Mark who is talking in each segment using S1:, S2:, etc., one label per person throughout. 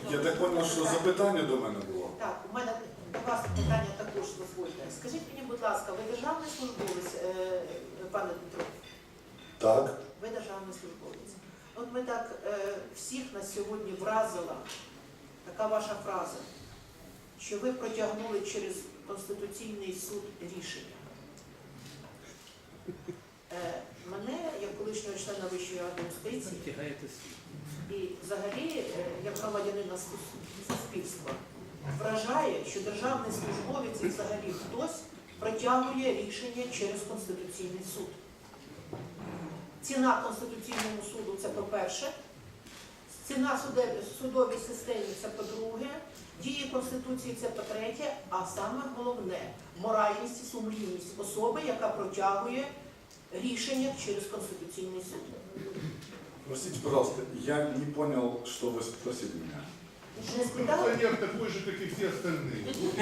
S1: Я так понял, що запитання до мене було.
S2: Так, у мене до вас питання також дозвольте. Скажіть мені, будь ласка, ви державний службовець, пане Дмитро?
S1: Так.
S2: Ви державний службовець. От ми так всіх на сьогодні вразила така ваша фраза, що ви протягнули через Конституційний суд рішення. Мене, як колишнього члена Вищої ради юстиції, і взагалі, як громадянина суспільства, вражає, що державний службовець і взагалі хтось протягує рішення через Конституційний суд. Ціна Конституційному суду – це по-перше, ціна судовій системі – це по-друге, дії Конституції – це по-третє, а саме головне – моральність і сумлінність особи, яка протягує рішення через Конституційний суд.
S1: Простите, пожалуйста, я не понял, что вы спросили меня.
S2: Не спитали?
S3: Конституционер такой же, как и все остальные.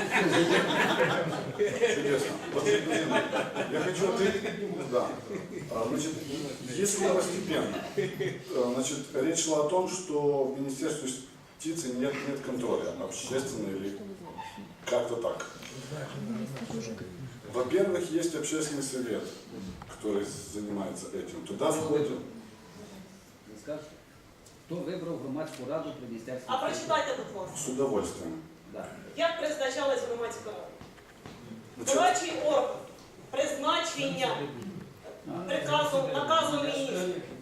S1: Чудесно. Вот, я хочу ответить. Да. Значит, если постепенно, значит, речь шла о том, что в Министерстве юстиции нет контроля общественного или как-то так. Во-первых, есть общественный совет, который занимается этим. Туда входит...
S4: Хто вибрав громадську раду при Міністерстві?
S5: А прочитайте, будь ласка.
S1: С удовольствием.
S4: Да.
S5: Як призначалась громадська рада?
S1: Значит,
S5: Дорадчий орган. Призначення наказом міністра.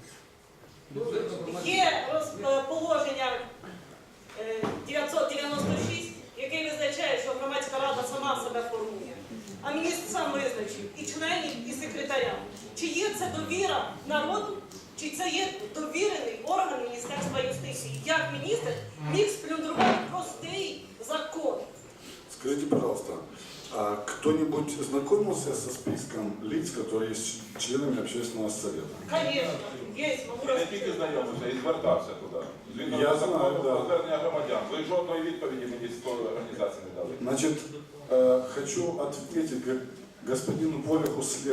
S5: Є положення 996, яке визначає, що громадська рада сама себе формує. А міністр сам визначив і членів, і секретаря. Чи є це довіра народу, чи це є довірений орган Міністерства юстиції? Як міністр міг сплюндрувати простий закон?
S1: скажите, пожалуйста, а кто-нибудь знакомился со списком лиц, которые есть членами общественного совета?
S5: Звісно, є, могу
S6: Не тільки
S5: розповісти.
S6: знайомився, і звертався туди. Згідно
S1: Я
S6: з законом
S1: знаю, да.
S6: про звернення громадян. Ви жодної відповіді мені з тої організації не дали.
S1: Значит, хочу ответить господину Полиху